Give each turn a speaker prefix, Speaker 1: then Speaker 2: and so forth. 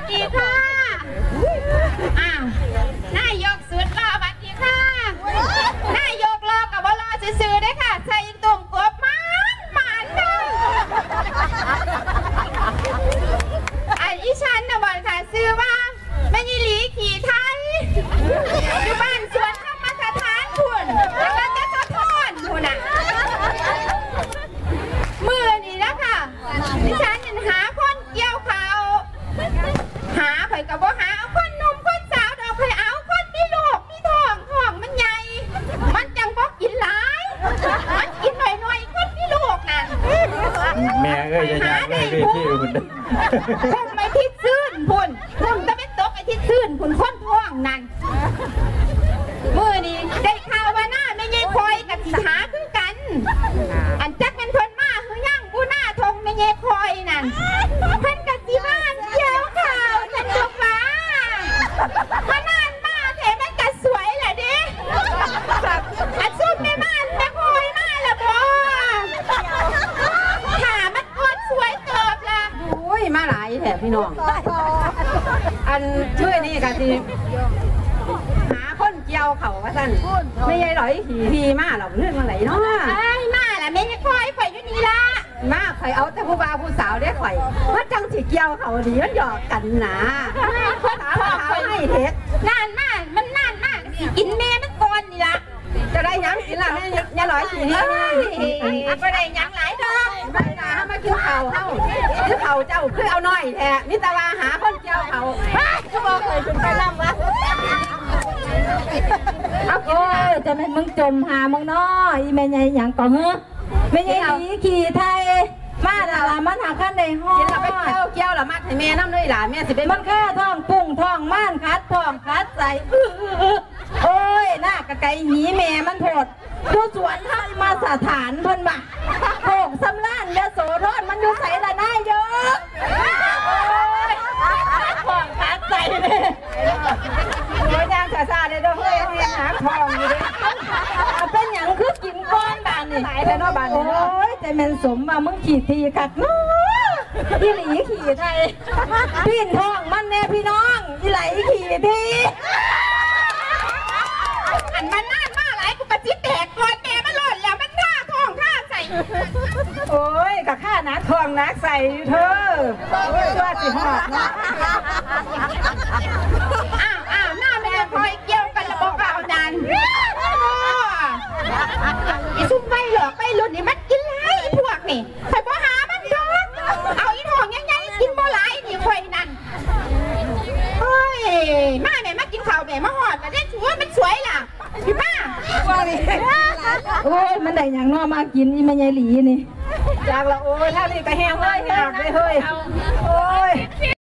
Speaker 1: ดีค่ะอ้าวนายกสุดรอสวัสดีค่ะนายกรอกับว่ารอซื่อๆได้ค่ะใส่ตุ่มกบมันค่ะอีฉันนะบอกค่ะซื้อว่าแม่ยีหลีขี่ไทยอยู่บ้านสวนธรรมสถานคุณแล้วก็จะสะท้อนคุณอ่ะมือนี่นะค่ะดิฉันหาคนเกี่ยวเขาหาข่อยกับว่าหาเอาคนหนุ่มคนสาวเอาข่อยเอาคนมีลูกมีท้องมันใหญ่มันจังบอกกินหลายมันกินหน่อยคนมีลูกน่ะ
Speaker 2: แม่เอ้ยจะอยากได้ที่อื่น
Speaker 1: คงไม่ทิศซื่นพุ่นจะไม่ตกไอ้ทิศซื่นพุ่นคนท้องนั่นมือนี่ได้ข่าวว่าหน้าไม่ยัยคอยกับสิหาคือกันอันจักเป็นคนมาคือย่างกูหน้าทงไม่ยัยคอยนั่นเพิ่นกับสิบ้านเกี่ยวข่าวฉันจบว่าพนานมาเถมันกัดสวยแหละดิอันซุ่มไม่บ้านไม่คอยมาละบ่ขามันกดสวยเติบละ
Speaker 3: อุ้ยมาหลายแถบพี่น้องอันเมื่อนี้กันที่หาคนเกี่ยวเขาว่าสั่นไม่ใช่หรอยขี่มาหรอกเรื่องอะไรเนาะ
Speaker 1: มาล่ะไม่ได้คอยข่อยอยู่นี่ละ
Speaker 3: มาข่อยเอาแต่ผู้บ่าวผู้สาวได้ข่อยว่าจังสิเกี่ยวเขาดีมันหยอกกันนะ
Speaker 1: คน
Speaker 3: สาวให้เท็ด
Speaker 1: นานมากมันนานมากกินแม่มันก่อนนี่ละ
Speaker 3: จะได้ยังกินละแม่ยาหลอยขี่นี่
Speaker 1: ไม่ได้ยังหลายดอก
Speaker 3: ไม่ได้มากินเขาคือเขาเจ้าคือเอาหน่อยแท้มิตรว่าหาคนเกี่ยวเขา
Speaker 1: เขาบอกเคยถึงไปลำวะ
Speaker 4: โอ้ยจะเป็นมึงจมหามึงน้อยอีแม่ใหญ่อย่างก่อเฮ้อแม่ใหญ่หนีขี่ไทยมาหล่ะมันหาขั้นในห้อง
Speaker 3: กินเราไปเกี่ยวเรามัดให้แม่น้ำเลยหล่ะแม่สิเป็น
Speaker 4: มันแค่ท้องปุ้งท้องม่านคัดท้องคัดใส่โอ้ยหน้ากระไก่หนีแม่มันโผดผู้สวนท่านมาสถานเพิ่นบ่โขกสำล้านยโสธรมันอยู่ใส่ละนายเยอะท้องคัดใส่เลย
Speaker 3: โอ้ยยังซาเลยเด้อเฮ้ยเรียนหาทองอยู่เลย
Speaker 4: เป็นอย่างคือกินก้อนบานนี่
Speaker 3: หายแล้วเนาะบานนี่
Speaker 4: โอ้ยใจแม่นสมว่ามึงขี่ทีกัดน้ออีหลีขี่ไทยพี่ท้องมันแน่พี่น้องอีไหลขี่ที
Speaker 1: อันมันน่ามาหลายกูปฏิแตกก่อนแม่มันหล่นแล้วมันท่าท้องท่าใส่
Speaker 3: โอ้ยกับข้านักทองนักใส่เธอช่วยสิหอดเนาะ
Speaker 1: อ้าวหน้าแม่คอยเกี่ยวกันระบบเราดันอีซุ่มไปหรอกไปรุ่นนี่มันกินไรพวกนี่ใครบ่หามันดอกเอาอีทองยังไงกินบ่ไรนี่คอยนั่นเฮ้ยมาแม่มากินข้าวแม่มาหอดมาได้ถือว่ามันสวยล่ะพี่ป้า
Speaker 4: โอ้ยมันได้อย่างนอมากินอีแม่ใหญ่หลีนี่
Speaker 3: จากละโอ้ยถ้านี่ก็แห้งเลยหักเลยเฮ้ยโอ้ย